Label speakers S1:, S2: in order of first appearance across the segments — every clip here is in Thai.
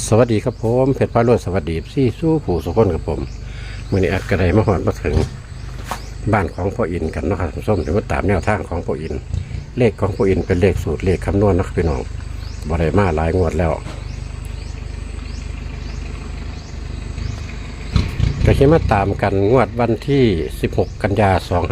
S1: สวัสดีครับผมเพชรพารวยสวัสดีซี่สู้ผู้สุขคนกับผมมื่อนี้อัดกระไดมาหอดมาถึงบ้านของพ่ออินกันเนาะครับส้มถือว่าตามแนวทางของพ่ออินเลขของพ่ออินเป็นเลขสูตรเลขคำนวณนะครับพี่น้องบริมาหลายงวดแล้วก็คิดมาตามกันงวดวันที่16 กันยา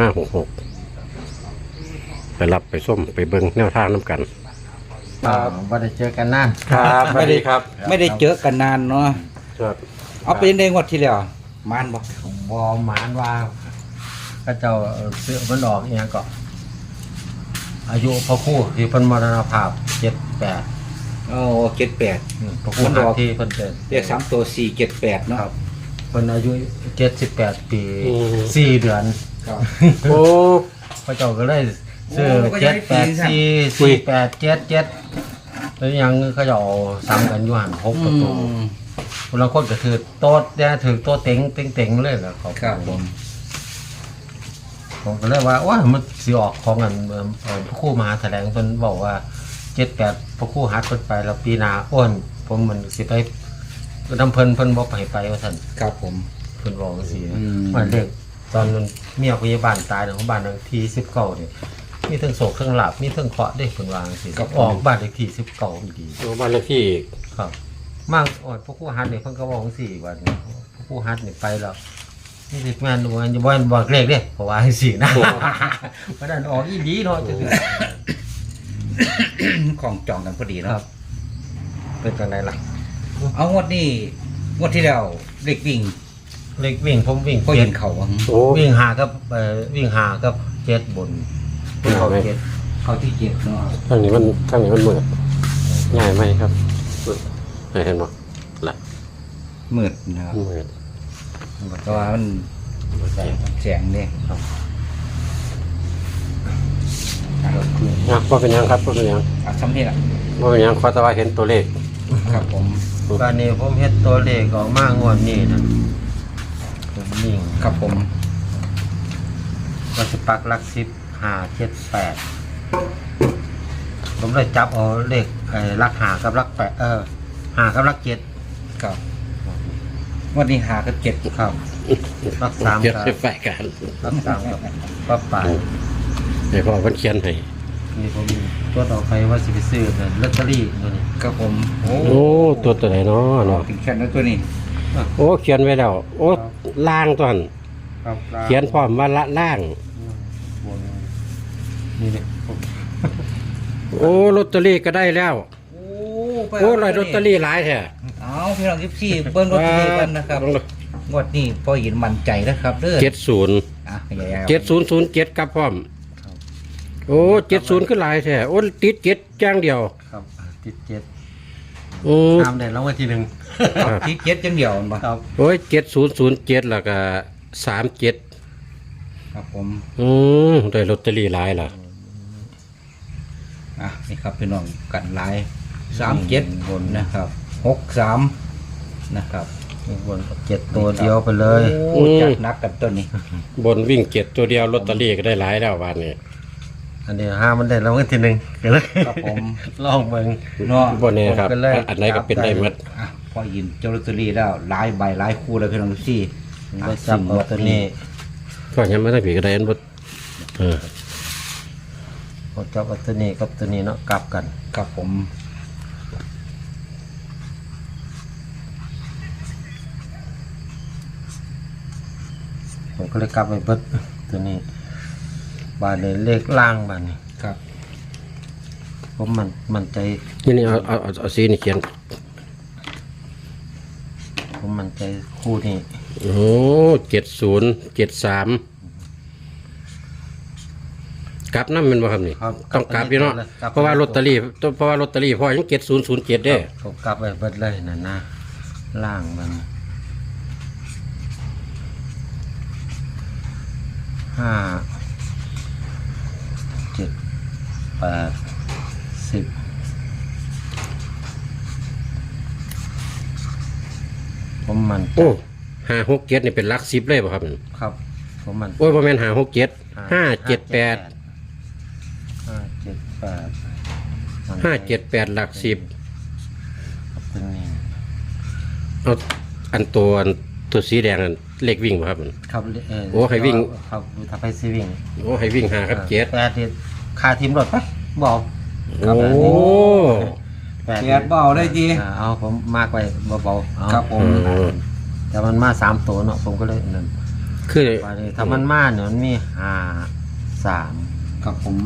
S1: 2566ไปรับไปส้มไปเบิ้งแนวทางน้ำกัน
S2: ครับไม่ได้เจอกันนาน
S1: ครับสวัสดีครับ
S3: ไม่ได้เจอกันนานเนาะ
S1: ครับ
S3: เอาไปในงวดที่แล้วมานบอก
S2: บอหมานว่าก็เจ้าเสื้อมันออกเนี่ยก็อายุพระครู่ที่เพิ่นมรณภาพ78
S3: โอ้78
S2: พระครู่หักที่เพิ่นเป็น
S3: เรียก3ตัว478เนาะ
S2: ครับเพิ่นอายุ78 ปี4 เดือน
S3: ครับ
S1: โอ้
S2: พระเจ้าก็เลยซื้อ
S3: โอ้ก็ยังปีน
S2: 784487แล้วยังเขาจะเอาซ้ำกันอยู่หัน6ประตูคนละคนก็ถือโต๊ะเนี่ยถือโต๊ะเต็งเลยแล้วเขา
S3: ครับ
S2: ผมก็เลยว่าว่ามันสิออกของกันพระครู่มหาแถลงเพิ่นบอกว่า78พระครู่ฮัดเพิ่นไปแล้วปีหน้าอ้วนผมมันสิไปนำเพิ่นบ่ไปว่าซั่น
S3: ครับผม
S2: เพิ่นบอกจังซี่
S3: อืม
S2: มันเด็กตอนนั้นเมียพยาบาลตายของบ้านที่19นี่มีทั้งโศกทั้งหลับมีทั้งเคราะห์ได้เพิ่นว่าจังซี่ออกบ้านเลขที่19อีดี
S1: โอ้บ้านเลขที่อีก
S2: ครับมากอ่อนพระครู่ฮัดนี่เพิ่นก็บอกจังซี่ว่าพระครู่ฮัดนี่ไปแล้วนี่สิแม่นบ่อย่าบ่บอกเลขเด้เพราะว่าจังซี่นะเพราะนั้นออกอีดีเนาะจังซี่
S3: ของจองกันพอดี
S2: ค
S3: เนาะ
S2: รับเป็นจังไดล่ะ
S3: เอางวดนี้งวดที่แล้วเลขวิ่ง
S2: เล็กวิ่งผมวิ่ง
S3: ก็เห็นเขาอะ
S1: โอ้
S2: วิ่งหากับวิ่งหากับเจ็ดบนเขาเจ็ด
S3: เขาที่7เนาะ
S1: ทางนี้มันมืดง่ายไหมครับเห็นบ่ละ
S3: มืดนะครับ
S1: มืด
S3: เพราะว่ามันแสงเด้ครับ
S1: นะว่าเป็นยังครับว่าเป็นยัง
S3: อ่ะซ้ำนี่ล่ะ
S1: ว่าเป็นยังขอแต่ว่าเห็นตัวเลข
S3: ครับผม
S2: การนี้ผมเฮ็ดตัวเลขออกมางวดนี้นะผมวิ่ง
S3: ครับผม
S2: ก็สิปักหลัก10 5 7 8ผมเลยจับเอาเลขหลัก5กับหลัก85กับหลัก7
S3: ครับงวดนี้หากับ7
S2: ครับหลัก3
S1: เขียน
S2: กับ
S1: ให้ฝ่ายกัน
S2: หลัก3กับปับปลาย
S1: เดี๋ยวพ่อเพิ่นเขียนให้
S2: นี่ผมตัวต่อไปว่าสิไปซื้อลอตเตอรี่ตัวนี้
S3: ครับผมโอ้
S1: โอ้ตัวไหนเนาะเนาะ
S3: ถึงแค่นั้นตัวนี้
S1: โอ้เขียนไว้แล้วโอ้ล่างตัวนั้น
S2: ครับ
S1: เขียนพร้อมว่าละล่าง
S2: บนนี่เนี่ย
S1: โอ้ลอตเตอรี่ก็ได้แล้ว
S3: โอ้
S1: โอ้ลอยลอตเตอรี่หลายแท้
S3: เอาพี่น้อง14เบิ้งรถตัวนี้กันนะครับงวดนี้พอเห็นมั่นใจนะครับเด้อ
S1: 70
S3: อ่ะใหญ่ๆ
S1: 7007กับพร้อมโอ้70คือหลายแท้โอ้ติด7อย่างเดียว
S2: ครับติดเจ็ด
S1: โอ้
S2: ตามเด่นแล้ววันที่หนึ่ง
S3: ที่7จังเดียวมันบ่
S2: ครับ
S1: โอ้ย7007แล้วก็37
S3: ครับผม
S1: ได้ลอตเตอรี่หลายล่ะ
S3: อ่ะนี่ครับพี่น้องกันหลาย37บนนะครับ63นะครับ
S2: บนเจ็ดตัวเดียวไปเลย
S3: โอ้จัดหนักกันตัวนี้
S1: บนวิ่ง7ตัวเดียวลอตเตอรี่ก็ได้หลายแล้ววันนี้
S2: อันนี้ห้ามันเด่นแล้ววันที่หนึ่งก็เลย
S3: ครับผม
S2: ลองเบิ่ง
S3: เนาะ
S1: บนนี้ครับ
S2: ผมก็เลย
S1: อันไหนก็เป็นได้หมด
S3: อ่ะพอยินเจ้าลอตเตอรี่แล้วหลายใบหลายคู่เลยพี่น้องซี่
S2: ไปจับเอาตัวนี้
S1: ก็ยังไม่ได้ผีก็ได้อันบดเออ
S2: พอจับเอาตัวนี้กับตัวนี้เนาะกลับกัน
S3: ครับผม
S2: ผมก็เลยกลับไปเบิดตัวนี้บานเลยเลขล่างบานนี้
S3: ครับ
S2: ผมมันใจ
S1: นี่เอาสีนี่เขียน
S2: ผมมันใจคู่นี้
S1: โอ้7073กลับน้ำมันบ่ครับนี่
S2: ครับ
S1: ต้องกลับอยู่เนาะ
S2: กลับ
S1: เพราะว่าลอตเตอรี่พ่อยัง7007เด้
S2: ผมกลับไปเบิดเลยนั่นนะล่างมัน5 7 8 10ผมมัน
S1: โอ้567นี่เป็นหลัก10เลยบ่ครับ
S2: ครับผมมัน
S1: โอ้ยบ่แม่น567 578
S2: 578มัน
S1: 578หลัก10
S2: เป็นนี่
S1: เอาตัวสีแดงนั่นเลขวิ่งบ่ครับมัน
S2: ครับ
S1: โอ้ให้วิ่ง
S2: ครับถ้าไปซีวิ่ง
S1: โอ้ให้วิ่ง5กับ7
S2: แปดนี่ค่าทีมรถปะบอก
S1: โอ้
S2: แปด
S3: แปดเบาได้ดี
S2: เอาผมมากไปเบาๆเอา
S3: ครับผม
S2: แต่มันมา3ตัวเนาะผมก็เลยนั่น
S1: คือ
S2: ว่านี่ถ้ามันมาเนี่ยมันมี5 3
S3: ครับผม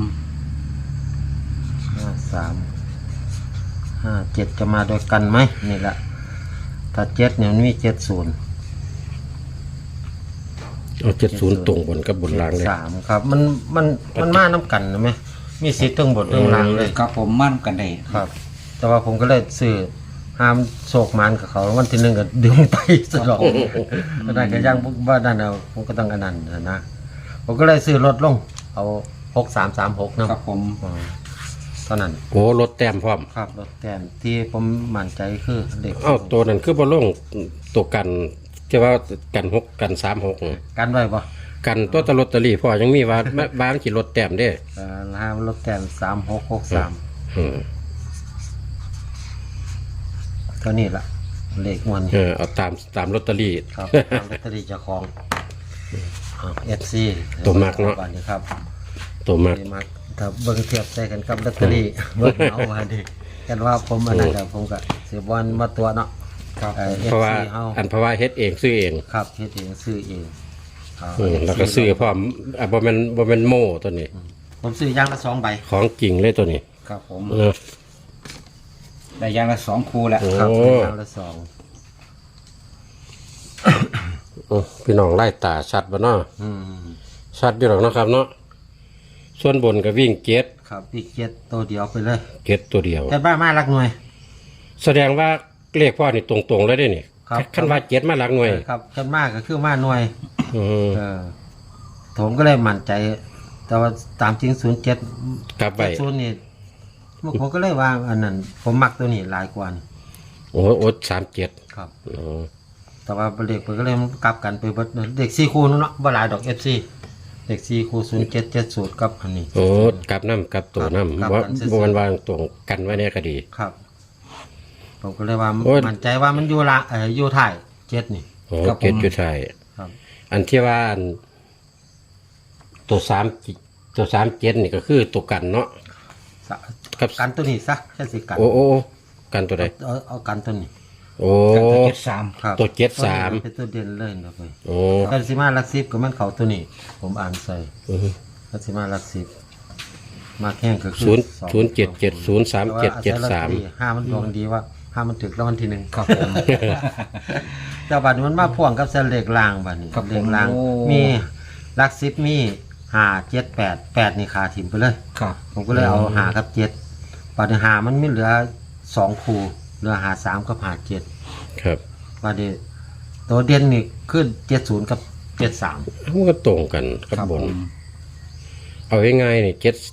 S2: 5 3 5 7จะมาด้วยกันไหมนี่แหละถ้า7เนี่ยมันมี70
S1: เอา70ตรงบนกับบนล่างเลย
S2: 3ครับมันมาน้ำกันนะไหมมีสิทธิ์ทั้งบนทั้งล่างเลย
S3: ครับผมมั่นกันได้
S2: ครับ แต่ว่าผมก็เลยซื้อห้ามโศกมันกับเขาวันที่หนึ่งก็ดึงไปสลองก็ได้ก็ยังว่านั่นเอาผมก็ต้องกันนั่นนะผมก็เลยซื้อลดลงเอา6336นะครับ
S3: ผม
S2: เท่านั้น
S1: โอ้รถแต้มพร้อม
S2: ครับลดแต้มที่ผมมั่นใจคือเด็ก
S1: เอ้าตัวนั้นคือบ่ลงตัวกันที่ว่ากัน6กัน36น่ะ
S2: กันไว้ปะ
S1: กันตัวตะลอตเตอรี่พ่อยังมีว่า บ้านสิรถแต้มเด้
S2: ห้ามลดแต้ม3663
S1: อืม
S2: เท่านี้ละเลขมวน
S1: เอาตามลอตเตอรี่
S2: ครับตามลอตเตอรี่เจ้าของFC
S1: ตัวมักเนาะ
S2: วันนี้ครับ
S1: ตัวมัก
S2: นี่มักถ้าเบิ่งเทียบใส่กันกับลอตเตอรี่เบิ่งเอาว่าดิกันว่าผมอันนั้นกับผมก็สิบวันมาตัวเนาะ
S3: ครับ
S1: เพราะว่า
S2: เฮา
S1: เพราะว่าเฮ็ดเองซื้อเอง
S2: ครับเฮ็ดเองซื้อเองเอา
S1: แล้วก็ซื้อพร้อมบ่แม่นโม่ตัวนี้
S2: ผมซื้อย่างละ2ใบ
S1: ของจริงเลยตัวนี้
S3: ครับผม
S1: เออ
S3: ได้อยางละ2คู่แล้ว
S1: โอ้
S2: ครับอย่างละ2
S1: พี่น้องไล่ตาชัดบ่เนาะ
S2: อืม
S1: ชัดอยู่หรอกเนาะครับเนาะส่วนบนก็วิ่งเจ็ด
S2: ครับอีก7ตัวเดียวไปเลย
S1: เจ็ดตัวเดียว
S2: แต่บ้านมาหลักหน่วย
S1: แสดงว่าเลขพ่อนี่ตรงๆเลยได้นี่
S2: ครับ
S1: คันว่าเจ็ดมาหลักหน่วย
S2: ครับขึ้นมากก็คือมาหน่วย
S1: อืม
S2: ผมก็เลยมั่นใจ แต่ว่าตามจริง07
S1: กลับไป
S2: 70นี่ผมก็เลยว่าอันนั้นผมมักตัวนี้หลายกว่านี่
S1: โอ้โอ37
S2: ครับ
S1: อ๋อ
S2: แต่ว่าเด็กเพิ่นก็เลยมันกลับกันไปเบิดเด็ก4คู่เนาะบ่หลายดอก FC เด็ก4คู่0770กับอันนี้
S1: โอ้กลับน้ำกลับตัวน้ำ
S2: กลับ
S1: ว่า
S2: กันซื่อๆ
S1: บ่มันวางตรงกันไว้ในคดี
S2: ครับผมก็เลยว่า
S1: โอ้ย
S2: มั่นใจว่ามันอยู่ละอยู่ท้าย7นี่
S1: โอ้เจ็ดจุดไทย
S2: ครับ
S1: อันที่ว่าอันตัว37นี่ก็คือตัวกันเนาะ
S2: สะ
S1: ครับ
S2: กันตัวนี้ซะแค่สิกัน
S1: โอ้กันตัวใด
S2: เอากันตัวนี้
S1: โอ้
S3: กับตัว73
S2: ครับ
S1: ตัว73
S2: เป็นตัวเด่นเลยนะเพิ่น
S1: โอ้
S2: กันสิมาหลัก10ก็มันเข้าตัวนี้ ผมอ่านใส่
S1: อือฮึ
S2: กันสิมาหลัก10มาแข่งก็คือ
S1: 007703773
S2: ห้ามันดวงดีว่าห้ามันถึกรางวัลที่หนึ่ง
S3: ครับผม
S2: แต่บัดนี้มันมาพ่วงกับเส้นเลขล่างบัดนี้
S3: ครับผม
S2: เลขล่าง
S3: โอ้
S2: มีหลัก10มี5 7 8 8นี่ขาถิ่มไปเลย
S3: ครับ
S2: ผมก็เลยเอา5กับ7บัดนี้5มันมีเหลือ2คู่เหลือ5 3กับ5 7
S1: ครับ
S2: บัดนี้ตัวเด่นนี่ขึ้น70กับ73
S1: มันก็ตรงกันกับบน เอาง่ายๆนี่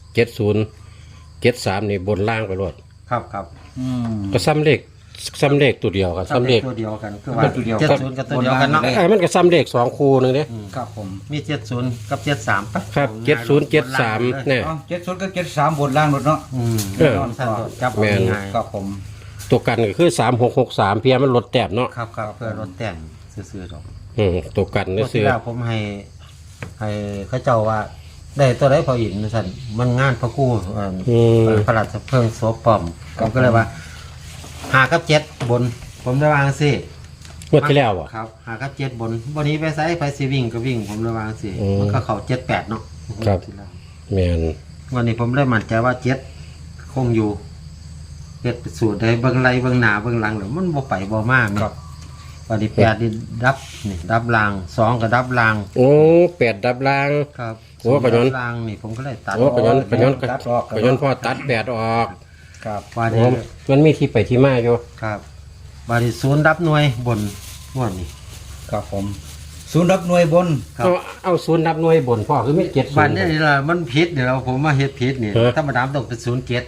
S1: 7073นี่บนล่างไปรถ
S2: ครับครับ
S3: อืม
S1: ก็ซ้ำเลขตัวเดียวครับซ้ำเลข
S2: ตัวเดียวกันคือว่า
S3: ตัวเดียว
S2: 70กับตัวเดียวกันเนาะ
S3: บนล่าง
S1: ไอ้มันก็ซ้ำเลข2คู่นึงเด้
S3: ครับผม
S2: มี70กับ73ปะ
S1: ครับ7073เนี่ย
S3: เอ้า70กับ73บนล่างรถเนาะ
S2: อืม
S1: เออ
S2: สั้นโดดจับ
S1: แม่น
S2: ง่าย
S3: ครับผม
S1: ตัวกันก็คือ3663เพียมันลดแต้มเนาะ
S2: ครับครับเพื่อลดแต่งซื้อๆดอก
S1: ตัวกัน
S2: เมื่
S1: นี่
S2: อ
S1: ซื้
S2: ที่
S1: อ
S2: แล้วผมให้เขาเจ้าว่า ได้ตัวได้พออินสั่นมันงานพระกู้พระราชเพิ่งโซปอมผมก็เลยว่า5กับ7บน ผมได้วางสิ
S1: งวดที่แล้วอ่ะ
S2: ครับ5กับ7บนวันนี้ไปไสไปสิวิ่งก็วิ่ง ผมได้วางสิ
S1: อืม
S2: มันก็เข้า7 8เนาะ
S1: ครับ แม่น
S2: วันนี้ผมเลยมั่นใจว่า7คงอยู่เฮ็ดเป็นสูตรได้เบิ่งไหลเบิ่งหน้าเบิ่งหลังแล้วมันบ่ไปบ่มาแม่
S3: ครับ
S2: วันนี้8นี่ดับราง2ก็ดับราง
S1: โอ้8ดับล่าง
S2: ครับ
S1: โอ้ปะยนต์
S2: ดับรางนี่ผมก็เลยตัด
S1: โอ้ปะยนต์
S3: ตัดออก
S1: ปะยนต์พ่อตัด8ออก
S3: ครับ
S2: ว่า
S1: โอ้
S2: ดี
S1: มันมีที่ไปที่มาอยู่
S2: ครับบาริศูนย์รับหน่วยบนงวดนี้
S3: ครับผมศูนย์รับหน่วยบน
S2: ครับ
S1: เอาศูนย์นับหน่วยบนพ่อคือไม่7
S2: บ้านนี้นี่ล่ะมันผิดเดี๋ยวผมมาเฮ็ดผิดนี่
S1: ฮะ
S2: ธรรมดามันต้องเป็น07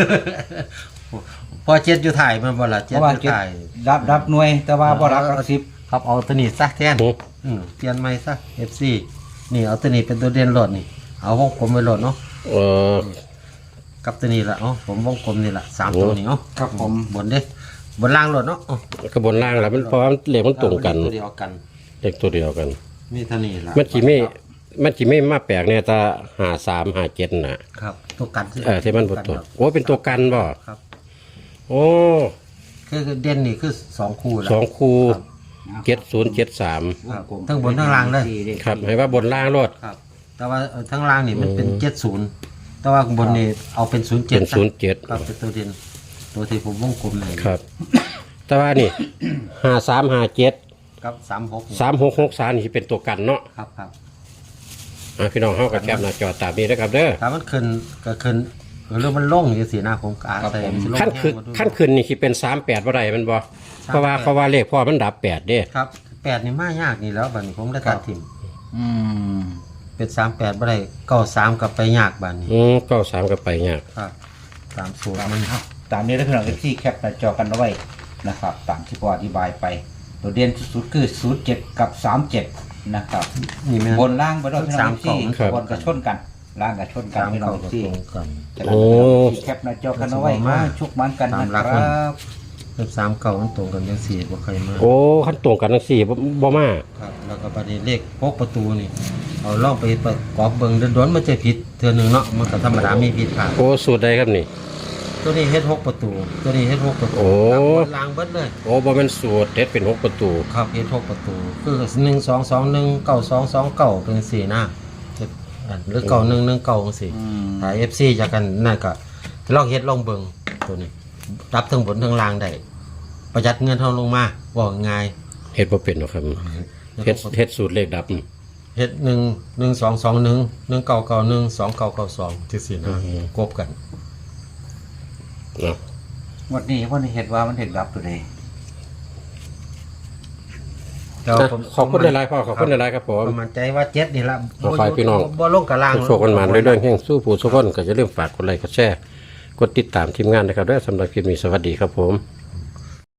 S2: พอ7อยู่ถ่ายมันบ่ล่ะ7
S3: เพราะว่า
S2: อยู่
S3: เจ็ด
S2: ถ่าย
S3: รับหน่วย แต่ว่าบ่รับหลักสิบ
S2: ครับเอาตัวนี้ซะแทนเปลี่ยนใหม่ซะ FC นี่เอาตัวนี้เป็นตัวเด่นโลดนี่เอาวงกลมไว้โลดเนาะ
S1: เออ
S2: กับตัวนี้ล่ะผมวงกลมนี่ล่ะ3ตัวนี้เนาะ
S3: ครับผม
S2: บนเด้บนล่างรถเนาะอ๋อ
S1: ก็บนล่างแล้วมันเพราะว่าเลขมันตรงกัน
S2: ตัวเดียวกัน
S1: เลขตัวเดียวกัน
S2: มีเท่านี้ล่ะ
S1: มันสิไม่มาแปลกเนี่ยถ้า53 57น่ะ
S2: ครับตัวกัน
S1: ที่มันบ่ตัวโอ้เป็นตัวกันบ่
S2: ครับ
S1: โอ้
S2: คือเด่นนี่คือ2คู่แล้ว
S1: สองคู่
S2: ครับ
S1: 7073
S2: ครับทั้งบนทั้งล่างเลย
S1: ครับให้ว่าบนล่างรถ
S2: ครับ แต่ว่าทั้งล่างนี่มันเป็น70แต่ว่าข้างบนนี่เอาเป็น07
S1: เป็น
S2: ซะ
S1: 07
S2: ครับเป็นตัวเด่นตัวที่ผมวงกลมเลย
S1: ครับ แต่ว่านี่5357
S2: ครับ36
S1: 3663นี่เป็นตัวกันเนาะ
S2: ครับครับ
S1: พี่น้องเฮาก็แคปหน้าจอตามนี้นะครับเด้อ
S2: ถ้ามันขึ้นก็ขึ้นหรือมันลงอย่างสีหน้าผมก็อาศัยมันสิลง
S1: ขั้นขึ้น
S2: แห้งมาด้วย
S1: ขั้นขึ้นนี่สิเป็น38บ่ได้มันบ่เพราะว่าเลขพ่อมันดับ8เด้
S2: ครับ8นี่มายากนี่แล้วบัดนี้ผมได้ตัดทิม
S3: อืม
S2: เป็น38บ่ได้93กับไปยากบัดนี้
S1: 93ก็ไปยาก
S2: ครับ30มัน
S3: ตามนี้ได้พี่น้องที่แคปหน้าจอกันเอาไว้นะครับ ตามที่พออธิบายไป ตัวเด่นสุดๆคือ07กับ37นะครับ
S2: นี่แม่น
S3: บนล่างไปด้วยพี่น้องที่
S1: ครับ
S3: บนกระชนกันล่างกระชนกันพี่น้อง
S2: ก็
S3: ที่
S2: ตรงกัน
S3: จะได้พี่น้องที่แคปหน้าจอกันเอาไว้ว่าชุกมันกันนะค
S2: ตามหลั
S3: รั
S2: กมัน
S3: บ
S2: กับ39มันตรงกันจังซี่บ่เคยมา
S1: โอ้ขั้นตรงกันจังซี่บ่มา
S2: ครับแล้วก็บัดนี้เลขพกประตูนี่เอาลองไปประกอบเบิ่งโดนๆมันจะผิดเทื่อหนึงเนาะมันก็ธรรมดามีผิดพลาด
S1: โอ้สูตรใดครับนี่
S2: ตัวนี้เฮ็ด6ประตู ตัวนี้เฮ็ด6ประตู
S1: โอ้
S2: ครับบนล่างเบิดเลย
S1: โอ้บ่แม่นสูตรเด็ดเป็น6ประตู
S2: ครับเฮ็ด6ประตู คือ1 2 2 1 9 2 2 9เป็น4นะเฮ็ดอันหรือ9 1 1 9จังซี่ถ้า FC จากกันนั่นก็ลองเฮ็ดลองเบิ่งตัวนี้รับทั้งบนทั้งล่างได้ประหยัดเงินเฮาลงมาบอกง่าย
S1: เฮ็ดบ่เป็นหรอกครับเฮ็ดสูตรเลขดับ
S2: เฮ็ด1 1 2 2 1 1 9 9 1 2 9 9 2จังซี่นะกบกัน
S1: เนาะ
S3: วันนี้เห็นว่ามันเห็นรับตัวใด
S2: แต่ว่าผม
S1: ขอบคุณหลายๆพ่อขอบคุณหลายๆครับผม
S2: ผมมั่นใจว่า7นี่ละ
S1: ขอฝ่ายพี่น้อง
S2: บ่ลงกับล่าง
S1: โชคกันมาเรื่อยๆแห่งสู้ผู้สุขคนก็อย่าลืมฝากกดไลค์กดแชร์กดติดตามทีมงานนะครับด้วยสำหรับคลิปนี้สวัสดีครับผม